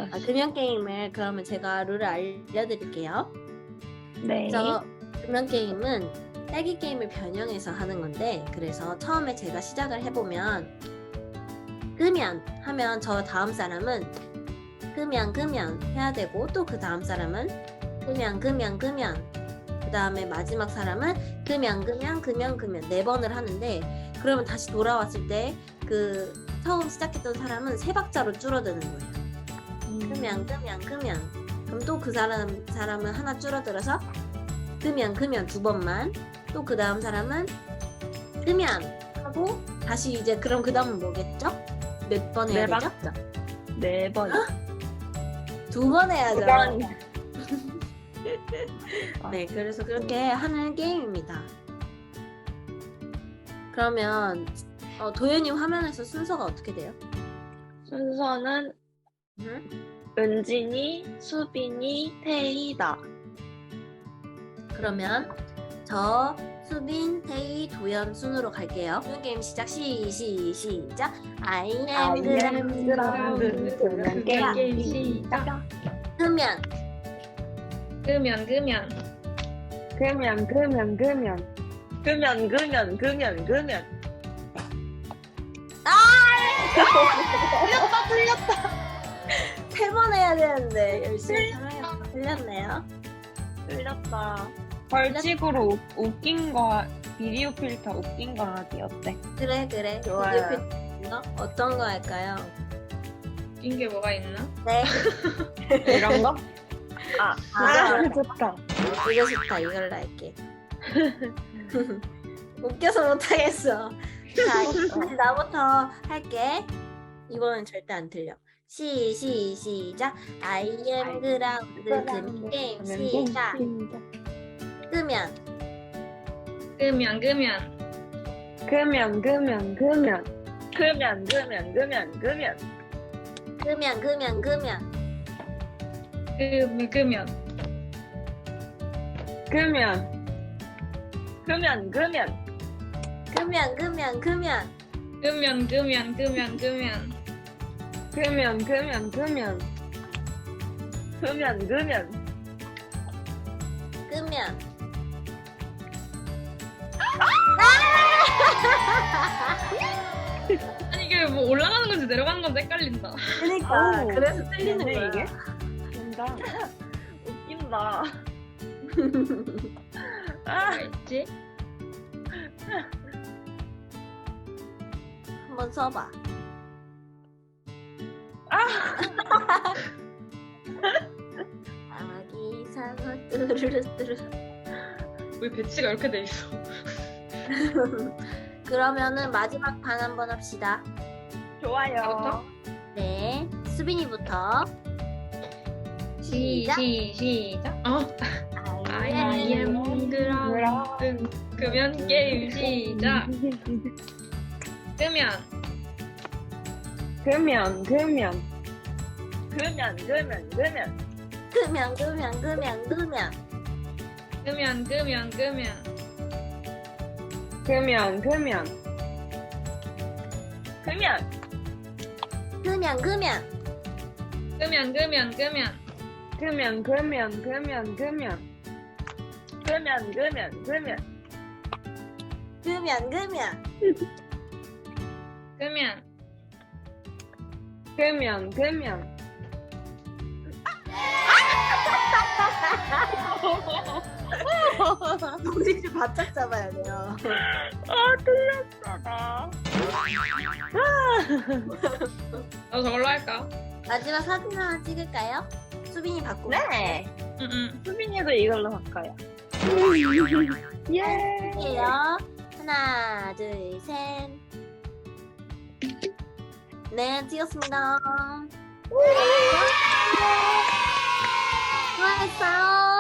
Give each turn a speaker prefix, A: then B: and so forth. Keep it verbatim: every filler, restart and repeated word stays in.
A: 아, 금연 게임을 그러면 제가 룰을 알려드릴게요.
B: 네.
A: 저 금연 게임은 딸기 게임을 변형해서 하는 건데, 그래서 처음에 제가 시작을 해보면 금연 하면 저 다음 사람은 금연 금연 해야 되고, 또 그 다음 사람은 금연 금연 금연, 그 다음에 마지막 사람은 금연 금연 금연 금연 네 번을 하는데, 그러면 다시 돌아왔을 때 그 처음 시작했던 사람은 세 박자로 줄어드는 거예요.
B: 음.
A: 금연 금연 금연. 그럼 또 그 사람 사람은 하나 줄어들어서 금연 금연 두 번만, 또 그 다음 사람은 금연 하고 다시 이제, 그럼 그 다음은 뭐겠죠? 몇 번 해야
B: 네
A: 되죠?
B: 박자. 네 번.
A: 두 번 해야죠.
B: 두 번.
A: 네, 그래서 그렇게 하는 게임입니다. 그러면 어, 도현이 화면에서 순서가 어떻게 돼요?
B: 순서는
A: 음?
B: 은진이, 수빈이, 태희다.
A: 그러면 저, 수빈, 태희, 도연 순으로 갈게요. 도연 게임 시작. 시, 시, 시작. I am 그라운드.
B: 금연
C: 게임 시작.
A: 금연.
C: 끄면 끄면
B: 금연, 금연, 금연. 금연, 금연, 금연, 금연.
A: 세 번 해야 되는데 열심히 살아요. 틀렸네요.
B: 틀렸다. 벌칙으로 웃- 웃긴 거, 비디오 필터 웃긴 거 하기 어때?
A: 그래 그래.
B: 좋아요.
A: 비디오 필터 거? 어떤 거 할까요?
C: 웃긴 게 뭐가 있나?
A: 네.
B: 이런 거? 아,
A: 아,
B: 좋다.
A: 이거 좋다. 이걸로 할게. 웃겨서 못하겠어. 자, 이제 나부터 할게. 이번엔 절대 안 틀려. 시, 시, 시작. I am 그라운드. 금 게임 시작. 끄면.
C: 끄면 끄면
B: 금연, 금연, 금연. 금연, 금연, 금연, 금연.
A: 끄면, 끄면, 끄면.
C: 끄면 끄면
B: 금연. 금연, 금연.
A: 끄면, 끄면, 끄면.
C: 끄면 끄면 끄면 끄면
B: 금연, 금연, 금연. 금연, 금연.
A: 끄면.
C: 아니 이게 뭐 올라가는 건지 내려가는 건지 헷갈린다.
A: 그러니까
B: 오,
A: 그래서 틀리는
B: 좋네,
A: 거야.
B: 이게. 된다. 웃긴다. 아,
C: 뭐가 있지?
A: 한번 써봐. 아기 상어 뚜루루뚜루.
C: 왜 배치가 이렇게 돼 있어?
A: 그러면은 마지막 판 한번 합시다.
B: 좋아요.
C: 나부터?
A: 네, 수빈이부터.
C: 시, 시, 시작. 어, I am 그라운드. 끄면 게임 시작. 끄면
B: 금연, 금연. 금연, 금연, 금연.
A: 끄면 끄면 끄면 끄면.
C: 끄면 끄면 끄면
B: 금연, 금연. 금연.
A: 끄면 끄면.
C: 끄면 끄면 끄면
B: 금연, 금연, 금연, 금연. 금연, 금연, 금연.
A: 끄면 끄면.
C: 끄면
B: 금연, 금연.
A: 우리 바짝 잡아야 돼요.
B: 아, 틀렸어, 나.
C: 어 저걸로 할까?
A: 마지막 사진 하나 찍을까요? 수빈이 바꾸고.
B: 네.
C: 응응.
B: 수빈이도 이걸로 바꿔요. 예.
A: 할게요. 하나, 둘, 셋. 네, 찍었습니다. 수고했어요.